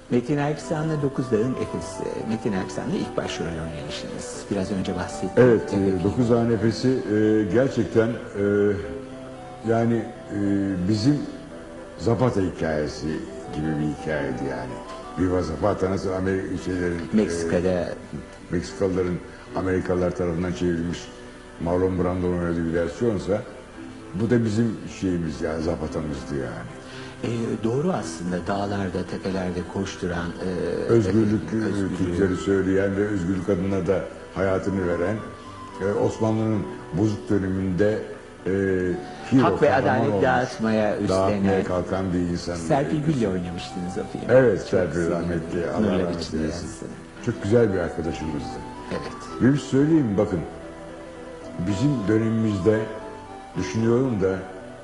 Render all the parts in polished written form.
Metin Erksan'la Dokuz Dağın Efesi. Metin Erksan'la ilk başrol oynamışsınız. Biraz önce bahsettim. Evet, Dokuz Dağın Efesi gerçekten yani bizim Zapata hikayesi gibi bir hikayeydi yani. Viva Zapata nasıl Meksika'da Meksikalıların Amerikalılar tarafından çevrilmiş Marlon Brando'nun oynadığı bir versiyonsa bu da bizim şeyimiz yani Zapata'mızdı yani. Doğru aslında dağlarda, tepelerde koşturan... özgürlük Türkleri söyleyen ve özgürlük adına da hayatını veren Osmanlı'nın bozuk döneminde hak ve adalet dağıtmaya kalkan bir insan. Serpil Gül'le oynamıştınız o filmi. Evet, Çok Serpil rahmetli. Allah nurlar rahmet içinde eylesin. yatsın. Çok güzel bir arkadaşımızdı. Evet. Bir söyleyeyim bakın. Bizim dönemimizde düşünüyorum da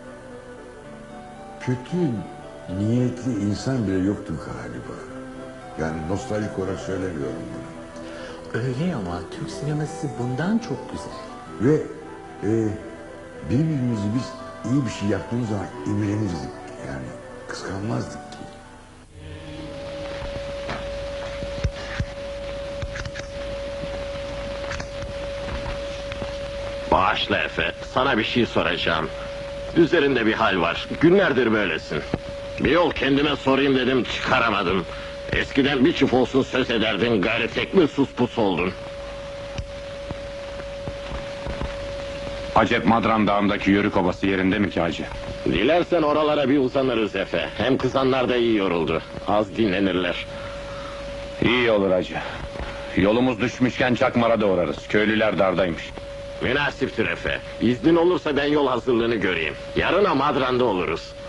kötü niyetli insan bile yoktu galiba. Yani nostaljik olarak söylemiyorum bunu. Öyle ama Türk sineması bundan çok güzel. Ve birbirimizi biz iyi bir şey yaptığımız zaman imrenirdik. Yani kıskanmazdık ki. Bağışla Efe, sana bir şey soracağım. Üzerinde bir hal var, günlerdir böylesin. Bir yol kendime sorayım dedim, çıkaramadım. Eskiden bir çift olsun söz ederdin, gayri tek mi sus pus oldun? Acep Madran Dağı'ndaki Yörük Obası yerinde mi ki hacı? Dilersen oralara bir uzanırız Efe. Hem kızanlar da iyi yoruldu, az dinlenirler. İyi olur hacı. Yolumuz düşmüşken Çakmar'a da uğrarız. Köylüler dardaymış. Münasiptir Efe. İznin olursa ben yol hazırlığını göreyim. Yarına Madran'da oluruz.